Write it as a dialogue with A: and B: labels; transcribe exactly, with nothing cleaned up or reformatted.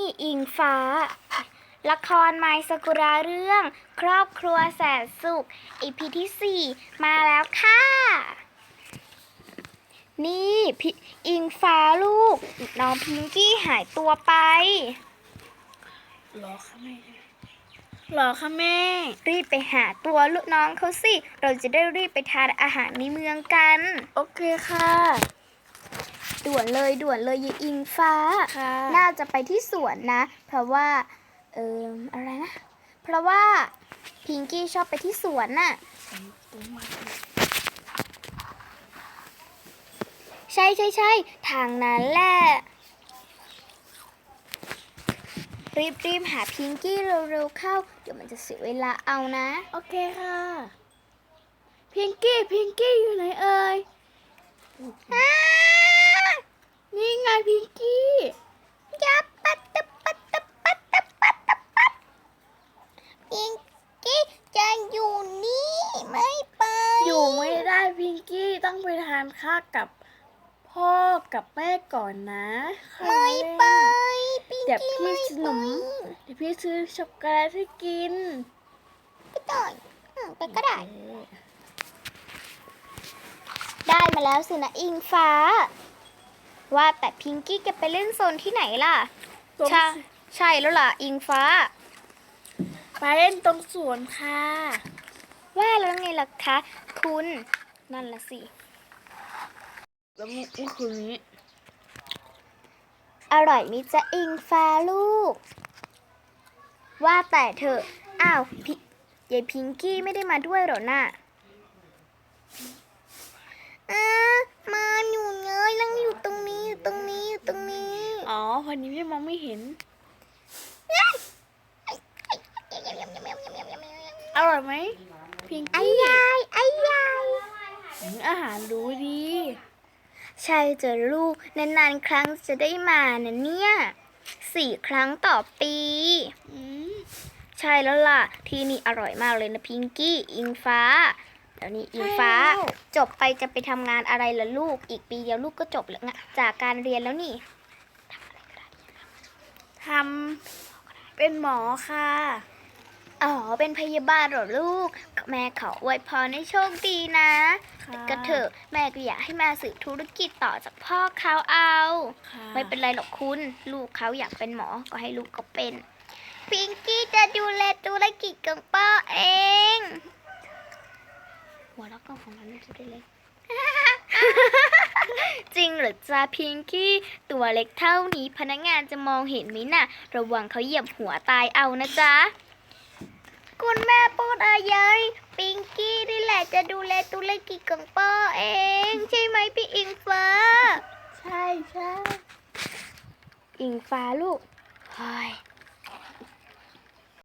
A: อิงฟ้าละครไมซากุระเรื่องครอบครัวแสนสุข อี พี ที่สี่มาแล้วค่ะนี่พี่อิงฟ้าลูกน้องพิงกี้หายตัวไป
B: หรอคะแม่หรอคะแม่
A: รีบไปหาตัวลูกน้องเขาสิเราจะได้รีบไปทานอาหารในเมืองกัน
B: โอเคค่ะ
A: ด่วนเลยด่วนเลยยายอิงฟ้าน่าจะไปที่สวนนะเพราะว่าเอออะไรนะเพราะว่าพิงกี้ชอบไปที่สวนน่ะใช่ใช่ใช่ทางนั้นแหละรีบรีบหาพิงกี้เร็วๆเข้าเดี๋ยวมันจะเสียเวลาเอานะ
B: โอเคค่ะพิงกี้พิงกี้อยู่ไหนเอ่ยนี่ไงพิงกี้
A: ยับปัตตะปัตตะปัตตะปัตตะปัตพิงกี้จะอยู่นี่ไม่ไป
B: อยู่ไม่ได้พิงกี้ต้องไปทานข้าวกับพ่อกับแม่ก่อนนะ
A: ไม่ไป
B: เดี๋ยวพี่ซื้อขนมเดี๋ยวพี่ซื้อช็อกโกแลตให้กิน
A: ก็ได้ไปก็ได้ได้มาแล้วสินะอิงฟ้าว่าแต่พิงกี้จะไปเล่นโซนที่ไหนล่ะใช่ใช่แล้วล่ะอิงฟ้า
B: ไปเล่นตรงสวนค่ะ
A: ว่าแล้วไงล่ะคะคุณนั่นละสิ
B: แล้วเมื่อคืนนี้
A: อร่อยมิจะอิงฟ้าลูกว่าแต่เธออ้าวพี่ยายพิงกี้ไม่ได้มาด้วยหรอน่ะอ่ามาอยู่เงยนั่งอยู่ตรงนี้อยู่ตรงนี้อยู่ตรงนี้
B: อ๋อวันนี้พี่มองไม่เห็นอร่อยไหมพิงกี้
A: ไอ้ยายไอ้ยาย
B: อาหารรู้ดี
A: ใช่เจอลูกนานๆครั้งจะได้มานะเนี่ยสี่ครั้งต่อปีใช่แล้วล่ะที่นี่อร่อยมากเลยนะพิงกี้อิงฟ้าแล้วนี่อิงฟ้าจบไปจะไปทำงานอะไรล่ะลูกอีกปีเดียวลูกก็จบแล้วนะจากการเรียนแล้วนี่
B: ทำเป็นหมอค่ะ
A: อ๋อเป็นพยาบาลเหรอลูกแม่ขออวยพรให้โชคดีนะแต่ก็เถอะแม่ก็อยากให้มาสืบธุรกิจต่อจากพ่อเขาเอาไม่เป็นไรหรอกคุณลูกเขาอยากเป็นหมอก็ให้ลูกก็เป็นพิงกี้จะดูแลธุรกิจของพ่อเองหัวเราะก็ของมันจะได้เล็กจริงเหรอจ๊ะพิงกี้ตัวเล็กเท่านี้พนักงานจะมองเห็นไหมน่ะระวังเขาเหยียบหัวตายเอานะจ๊ะคุณแม่พูดอะไรพิงกี้นี่แหละจะดูแลธุรกิจของพ่อเองใช่ไหมพี่อิงฟ้า
B: ใช่ใช่
A: อิงฟ้าลูกเฮ้ย